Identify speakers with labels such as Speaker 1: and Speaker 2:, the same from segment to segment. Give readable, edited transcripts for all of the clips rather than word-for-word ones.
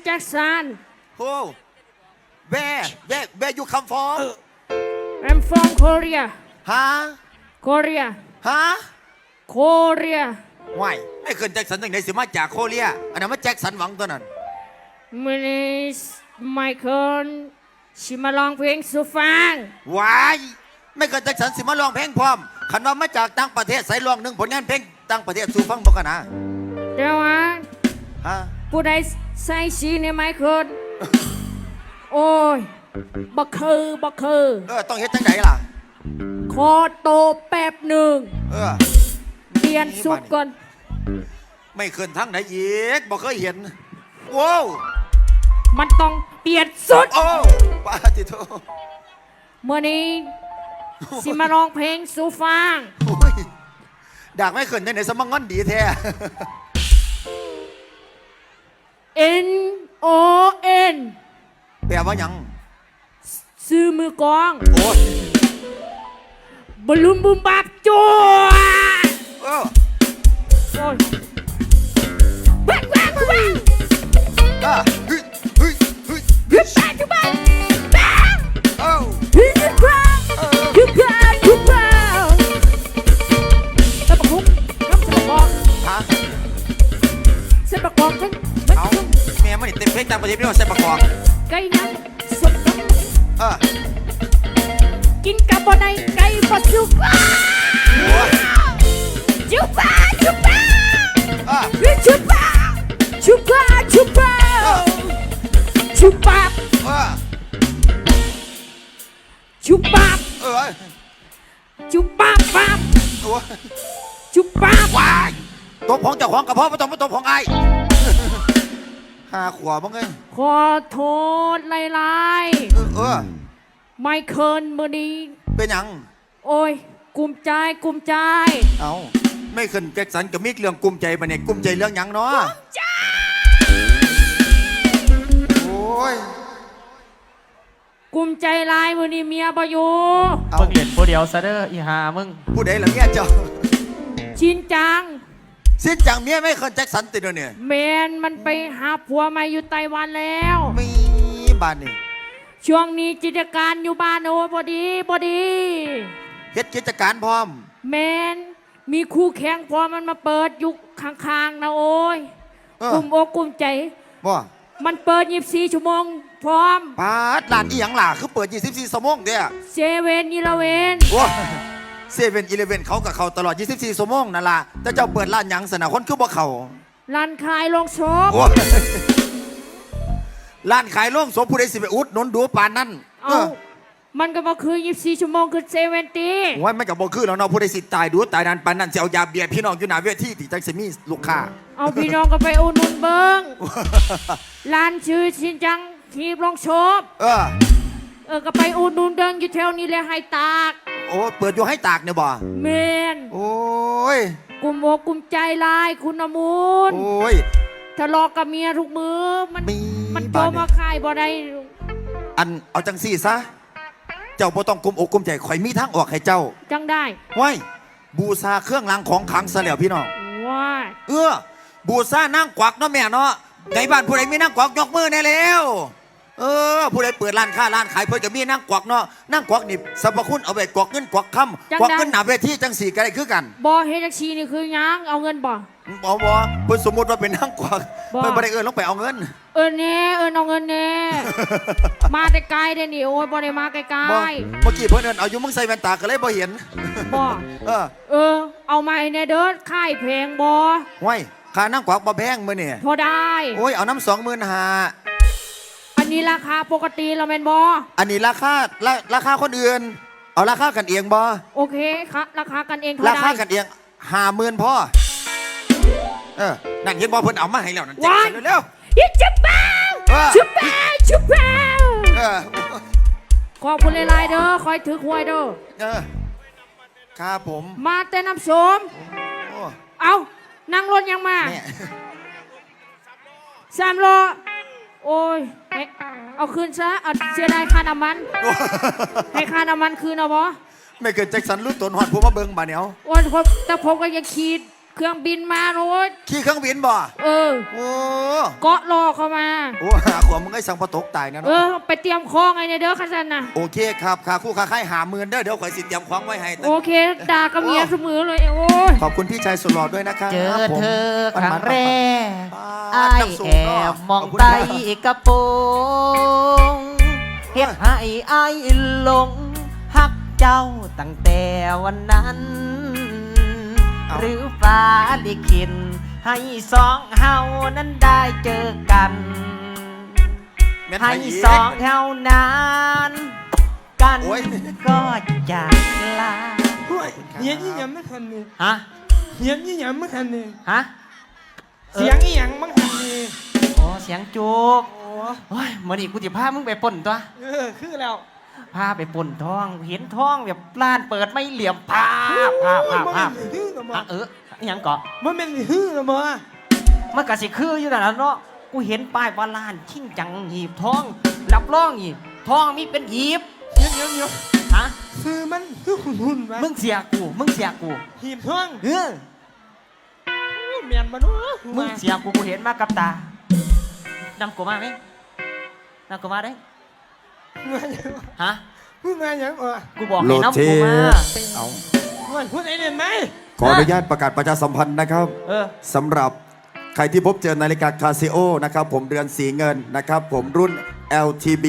Speaker 1: แจ็คสัน
Speaker 2: โอ้ where you come from
Speaker 1: I'm from Korea
Speaker 2: ฮะ
Speaker 1: Korea
Speaker 2: ฮะ
Speaker 1: Korea
Speaker 2: ว้ายไม่เคยแจ็คสันตั้งไหนสิมาจากโคเรียอันนั้นมาแจ็คสันหวังตัวนั้น
Speaker 1: มันไมเคิลชิมาลองเพลงสุฟัง
Speaker 2: ว้ายไม่เคยแจ็คสันสิมาร้องเพลงพร้อมขันว่ามาจากต่างประเทศใส่ร้องหนึ่งผลงานเพลงต่างประเทศสู่ฟังบอกกันนะ
Speaker 1: เดี๋ยวฮะ
Speaker 2: ฮะ
Speaker 1: ผู้ใดใส่สีในไมเคิลโอ้ยบักคือ
Speaker 2: ต้องเฮ็ดจังไหนล่ะ
Speaker 1: ขอโตแป๊บหนึ่ง
Speaker 2: เออ
Speaker 1: เปลี่ยนสุดก่อน
Speaker 2: ไม่เคยทั้งไหนอีกบอกเคยเห็นว้าว
Speaker 1: มันต้องเปลี่ยนสุด
Speaker 2: โอ้ปาติโต
Speaker 1: เมื่อนี้สิมาร้องเพลงสุฟัง
Speaker 2: โอ้ยดากไม่เคยจังไหนสมังงอนดีแท้
Speaker 1: N O N
Speaker 2: แปลว่าหยัง
Speaker 1: ซื้อมือกอง
Speaker 2: โอ้ย
Speaker 1: บอลลูนบุมบับจัว
Speaker 2: เออ
Speaker 1: โอ้ยว้าวว้าวว้าว
Speaker 2: อ่ะเฮ้ยเฮ้ยเฮ้ย
Speaker 1: ยุบไปยุบไปบ้า
Speaker 2: เอ้า
Speaker 1: ยุบไปยุบไปยุบไปเส้นประคุกน้ำเส้นประกอบ
Speaker 2: ฮะ
Speaker 1: เส้นประกอบทั้ง
Speaker 2: เอาแม่มันนี่เต็มเพลงต่างประเทศไม่ว่าใส่ประกอบ
Speaker 1: ไก่ยังสดน้ำ
Speaker 2: เออ
Speaker 1: กินกับบอในไก่ปลาสุก
Speaker 2: โอ้ย
Speaker 1: จุบปาจุบปา
Speaker 2: อ่ะ
Speaker 1: จุบปาจุบปาจุบปาจุบปา
Speaker 2: เออ
Speaker 1: จุบปา
Speaker 2: เออ
Speaker 1: จุบปาปา
Speaker 2: โอ้ย
Speaker 1: จุบปา
Speaker 2: ว้ายตัวของเจ้าของกระเพาะไม่ต้องมาตัวของไอ้ห้าขวบมั้งไง
Speaker 1: ขอโทษหลาย
Speaker 2: เออ
Speaker 1: ๆไม่เคินมือนี้
Speaker 2: เป็นหยัง
Speaker 1: โอ้ยกุมใจกุมใจ
Speaker 2: เอาไม่ขึ้นแจ็คสันกับมิกเรื่องกุมใจปะเนี่ยกุมใจเรื่องหยังเนาะโอ้ย
Speaker 1: กุมใจหลายมือนี้เมียบ่อยู่
Speaker 2: เอา
Speaker 3: มึงเล่นผู้เดียวซะเด้ออีหามึง
Speaker 2: ผู้ใดล่ะเมียเจ้า
Speaker 1: ชินจัง
Speaker 2: สิ้นจังเมียไม่ขึ้นแจ็คสันติดเนี่ย
Speaker 1: แมนมันไปหาผัวใหมาอยู่ไต้หวันแล้ว
Speaker 2: มีบ้านนี่
Speaker 1: ช่วงนี้กิจการอยู่บ้านโอ้ยพอดีพอดี
Speaker 2: เฮ็ดกิจการพร้อม
Speaker 1: แมนมีคู่แข่งพอมันมาเปิดอยู่ข้างๆนะโอ้ย
Speaker 2: เออก
Speaker 1: ลุ่มอกกลุ่มใจ
Speaker 2: บ่
Speaker 1: มันเปิด24 ชั่วโมงพร้อม
Speaker 2: ปาดร้านอีหยังล่ะคือเปิด24ชั่วโมงเด้อ
Speaker 1: เซเว่นอีเลเวน
Speaker 2: โอ้เซเว่นอีเลเวนเขากับเขาตลอด24ชั่วโมงนั่นล่ะแต่เจ้าเปิดร้านหยังสนะคนคือบ่เขา
Speaker 1: ร้านขายลงศพ
Speaker 2: โอ้ร้านขายโล่งศพผู้ใดสิไปอุดหนุนดูปานนั้น
Speaker 1: เอามันก็บอกคือ24 ชั่วโมงคือเซเว่นตี
Speaker 2: ว่ามันกับบ่คือแล้วเนาะผู้ใดสิตายดูตายนานปานนั้นสิเอายาเบียร์พี่น้องอยู่หน้าเวทีที่จังสิมีลูกค้า
Speaker 1: เอาพี่น้องก็ไปอุดหนุนเบิ้งร้านชื่อชินจังทีบลงศพ
Speaker 2: เออ
Speaker 1: ก็ไปอุดหนุนเดิงอยู่แถวนี้เลยให้ตาก
Speaker 2: โอ้เปิดอยู่ให้ตากเนี่ยบ่
Speaker 1: เมน
Speaker 2: โอ้ย
Speaker 1: กุมอกกุมใจลายคุณอมูล
Speaker 2: โอ้ย
Speaker 1: ทะเลาะกับเมียทุกมือมัน
Speaker 2: มี
Speaker 1: มันโจ
Speaker 2: บ้าน
Speaker 1: มา
Speaker 2: เนี่ย
Speaker 1: ขายบ่ได้
Speaker 2: อันเอาจังซี่ซะเจ้าบ่ต้องกุมอกกุมใจข่อยมีทางออกให้เจ้า
Speaker 1: จังได้
Speaker 2: ว้ายบูชาเครื่องรางของขลังซะแล้วพี่น้อง
Speaker 1: ว้าย
Speaker 2: บูชานั่งกวักเนาะแม่เนาะในบ้านผู้ใดมีนั่งกวักยกมือแน่แล้วผู้ใดเปิดร้านค้าร้านขายเพิ่นก็มีนั่งกวักเนาะนั่งกวักนี่สรรพคุณเอาไปกวักเงินกวักคำกวักเงินหนาเวทีจังสี่ก็ได้คือกัน
Speaker 1: บ่เฮดจักชีนี่คือหยังเอาเงินบ่
Speaker 2: บ่เพิ่นสมมุติว่าเป็นนั่งกวัก
Speaker 1: บ่
Speaker 2: เพิ่นบ่ได้เอิ้นลงไปเอาเงิน
Speaker 1: แน่เอาเงินแน่ มาแต่ไกลเด้นี่โอ้ยบ่ได้มาไกล
Speaker 2: บ่เมื่อกี้เพิ่นเอิ้นเอาอยู่มึงใส่แว่นตาก็เลยบ่เห็น
Speaker 1: ๆบ่
Speaker 2: เออ
Speaker 1: เอามาให้แน่เด้อค่ายแพงบ่
Speaker 2: ห้วยค่านั่งกวักบ่แพงมื้อนี่
Speaker 1: พอได้
Speaker 2: โอ้ยเอาน้ำ25,000
Speaker 1: อันนี้ราคาปกติแล้วแม่นบ่
Speaker 2: อันนี้ราคาคนอื่น เอาราคากันเองบ่
Speaker 1: โอเคค่ะราคากันเองเท่า
Speaker 2: รา
Speaker 1: ใด
Speaker 2: คากันเอง50,000พ่อนั่นเห็นบ่เพิ่นเอามาให้แล้วนั่น
Speaker 1: ว้าย
Speaker 2: เร็ว
Speaker 1: ยิจุบเป้า
Speaker 2: เออ
Speaker 1: จุบเป้าจุบเป้า
Speaker 2: ๆเออ
Speaker 1: ขอบคุณหลายๆเด้อคอยถือหวยเด้อ
Speaker 2: เออครับผม
Speaker 1: มาแต่น้ำสม
Speaker 2: โอ้
Speaker 1: เอานั่งรถยังมา
Speaker 2: เนี่ย
Speaker 1: 3 โลโอ้ยเอาคืนซะเอาเสียดายค่าน้ำมัน ให้ค่าน้ำมันคืนเอาบ่
Speaker 2: ไม่เกิดแจ็คสันรู้ตนหอดผู้มาเบิ่งบาดเหนียว
Speaker 1: วันผมแต่ผมก็ยังคิดเครื่องบินมาโรย
Speaker 2: ขี่เครื่องบินบ่
Speaker 1: เออ
Speaker 2: โอ้
Speaker 1: เกาะรอเข้ามา
Speaker 2: โอ้หาขวมึงไอ้สังปะตกตายนะ
Speaker 1: เอ
Speaker 2: เนาะ
Speaker 1: อ ไปเตรียมของไงเนี่ยเด้อคันสันน่ะ
Speaker 2: โอเคครับค่าคู่ค่าค่าย50,000เด้อเดี๋ยวข่อยสิเตรียมของไว้ให้
Speaker 1: โอเคด่ากับเมียเสมอเลยโอ้ย
Speaker 2: ขอบคุณพี่ชายสุดหล่อด้วยนะครับ
Speaker 4: เจอ
Speaker 2: ผม
Speaker 4: เธอครั้งแรก
Speaker 2: อ้า
Speaker 4: อาย
Speaker 2: น้ำสู
Speaker 4: แอบ
Speaker 2: เนาะ
Speaker 4: มอง
Speaker 2: ขบคุณ
Speaker 4: ใต้
Speaker 2: ครับ
Speaker 4: กระโปรงเฮ็ดให้อายหลงฮักเจ้าตั้งแต่วันนั้น หรือฟ้าลิขิตให้สองเฮานั้นได้เจอกัน
Speaker 2: แม่น
Speaker 4: ให้
Speaker 2: ไผอีก
Speaker 4: สองเท่านั้นกัน
Speaker 2: โอ้ย
Speaker 4: ก็จากลา
Speaker 5: เฮียนี่ยังไม่ทันนี่
Speaker 4: ฮะ
Speaker 5: เฮียนี่ยังไม่ทันนี่
Speaker 4: ฮะ
Speaker 5: เสียงนี่ยังไม่ทันนี่
Speaker 4: โอ้เสียงจุก
Speaker 5: โอ้
Speaker 4: โอ้ยมื่อนี้กูจะพามึงไปป่นตัว
Speaker 5: คือแล้ว
Speaker 4: พาไปป่นทอง เห็นทองแบบร้านเปิดไม่เหลี่ยมภาพ
Speaker 5: มันฮื้อละมั้
Speaker 4: อ่ะอิหยังเกาะ
Speaker 5: มันเป็นฮื้อละมั้
Speaker 4: มันกะสิคืออยู่นั่นล่ะเนาะกูเห็นป้ายว่าร้านชิ่งจังหีบทองรับรองหีบทองมีเป็นหีบ
Speaker 5: เดี๋ยว
Speaker 4: ฮะ
Speaker 5: คือมันคือหุ่นๆวะ
Speaker 4: มึงเสียกู
Speaker 5: หีบท่อง
Speaker 4: เออ
Speaker 5: เมียนมาด้วย
Speaker 4: มึงเสียกูเห็นมากับตานำกูมาไหมนำกูมาได้
Speaker 5: มาอย่าง
Speaker 4: ฮะ
Speaker 5: มึงมาอย่างอ่ะ
Speaker 4: กูบอกให้นำกูมา
Speaker 2: เอา
Speaker 5: มันพูดไอ้เด่นไหม
Speaker 2: ขออนุญาตประกาศประชาสัมพันธ์นะครับ
Speaker 4: เออ
Speaker 2: สำหรับใครที่พบเจอนาฬิกาคาซิโอนะครับผมเรือนสีเงินนะครับผมรุ่น LTB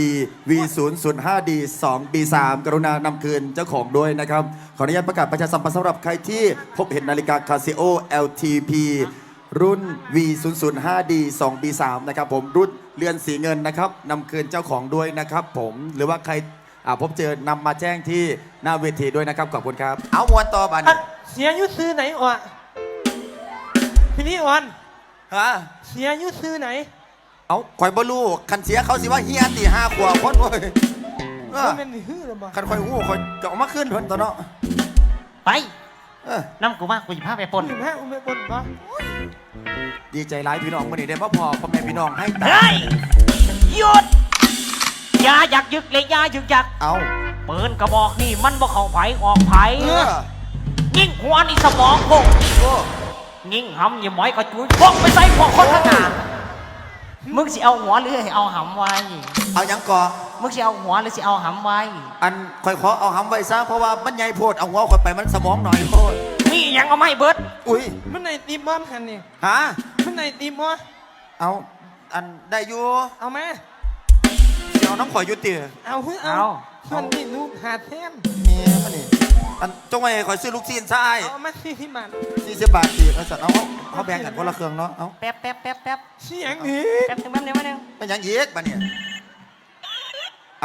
Speaker 2: V005D 2B3 กรุณานำคืนเจ้าของด้วยนะครับขออนุญาตประกาศประชาสัมพันธ์สำหรับใครที่พบเห็นนาฬิกาคาซิโอ LTP รุ่น V005D 2B3 นะครับผมรุ่นเรือนสีเงินนะครับนำคืนเจ้าของด้วยนะครับผมหรือว่าใครพบเจอนำมาแจ้งที่หน้าเวทีด้วยนะครับขอบคุณครับเอามวนต่อบัน
Speaker 5: เสียยุซื้อไหนอ่ะพี่นี่อ่อน
Speaker 2: ฮะ
Speaker 5: เสียยุซื้อไหน
Speaker 2: เอาข่อยบ่รู้คันเสียเขาสิว่าเฮียตี5 ขวบคนเว้ยเออ
Speaker 5: มันเป็นฮื้อละมั้
Speaker 2: คันข่อยหู้ข่อยจะเอามาขึ้นเพิ่นตัวเนาะ
Speaker 4: ไป
Speaker 2: เออน
Speaker 4: ำกูมากูจะพาไปป่น
Speaker 5: หิบแห้อุ้มไปบนปะ
Speaker 2: ดีใจหลายพี่น้องมื้อนี้ได้มาพอพ่อแม่พี่น้องให้ตา
Speaker 4: เฮ้ยหยุดอย่าอยากยึกเลยอย่ายึกยัก
Speaker 2: เอา
Speaker 4: ปืนกระบอกนี่มันบ่เข้าไผออกไผ
Speaker 2: เออ
Speaker 4: ยิ่งหัวนี่สมองโคง
Speaker 2: โอ้
Speaker 4: ยิ่งหำอย่าหมอยกระจุยพกไปใส่พวกคนข้างหน้ามึงสิเอาหัวหรือให้เอาหำไว้
Speaker 2: เอาหยังก่อ
Speaker 4: มึงสิเอาหัวหรือสิเอาหำไว้
Speaker 2: อันข่อยขอเอาหำไว้ซะเพราะว่ามันใหญ่โพดเอาหัวข่อยไปมันสมองหน่อยโพด
Speaker 4: นี่ยังเอาไม่เบิด
Speaker 2: อุ้ย
Speaker 5: มันในตีมอนคันนี่
Speaker 2: ฮะ
Speaker 5: มันในตีมอ
Speaker 2: เอาอันได้อยู่
Speaker 5: เอาไหม
Speaker 2: สิเอาน้ำข่อยอยู่ติ
Speaker 5: เอาเฮ้ย
Speaker 4: เอา
Speaker 5: เอามันนี่ลูกหาแทน
Speaker 2: เมียมันนี่อันจงไว้ให้ข่อยซื้อลูกซีนซะอ้าย
Speaker 5: เอามาที่บ้าน
Speaker 2: 40 บาทสิเอาสัตว์เอาแบ่งกันคนละเครื่องเนาะเอา
Speaker 4: แป๊บแป๊บแป๊บแป๊บ
Speaker 5: เสียงนี้
Speaker 4: แป๊บนึงแป๊บนึงแป๊บนึง
Speaker 2: เป็นหยังอีกบัดเนี่ยเอา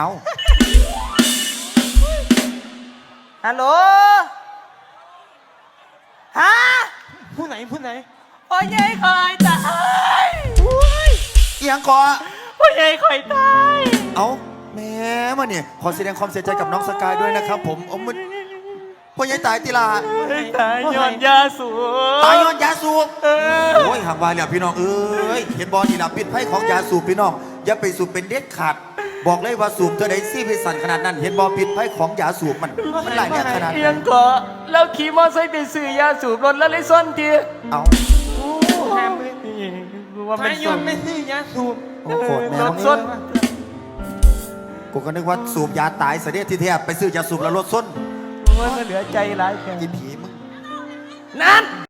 Speaker 4: ฮัลโหลฮะ
Speaker 5: ผู้ไหนผู้ไหน
Speaker 4: พ่อใหญ่คอยตาย
Speaker 2: เอียงก่อ
Speaker 4: พ่อใหญ่คอยตาย
Speaker 2: เอาแม่มาเนี่ยขอแสดงความเสียใจกับน้องสกายด้วยนะครับผมเอามันพ่อใหญ่ตายติลา
Speaker 4: ตายย้อนยาสูบ
Speaker 2: ตายย้อนยาสูบโอ้ยห่างวายแล้วพี่น้องเอ้ยเห็นบอลนี่ละพิษภัยของยาสูบพี่น้องอย่าไปสูบเป็นเด็ดขาดบอกเลยว่าสูบเธอได้ซี่พิสันขนาดนั้น เห็นบอลพิษภัยของยาสูบมันหลายเนี่ยขนาด
Speaker 4: เพีย
Speaker 2: นั้
Speaker 4: ง
Speaker 2: น
Speaker 4: เกาะแล้วขี่มอไซค์ไปซื้อยาสูบรถแล้วเลยซ่อนที
Speaker 2: เอา
Speaker 5: แฮมเลย
Speaker 4: ว่า
Speaker 5: ไม่
Speaker 4: เป็น
Speaker 5: ย
Speaker 4: สู
Speaker 5: อบ มไม่ซื้อยาสูบ
Speaker 2: โอ้โหแม่
Speaker 4: ร
Speaker 2: มึ
Speaker 4: ถ
Speaker 2: ง
Speaker 4: ส้น
Speaker 2: กูก็นึกว่าสูบยาตายเสียที่แท้ไปซื้อยาสูบแล้วรถส้น
Speaker 4: โอ้ยมันเหลือใจหลายแค่
Speaker 2: อีผีมึง
Speaker 4: นั่น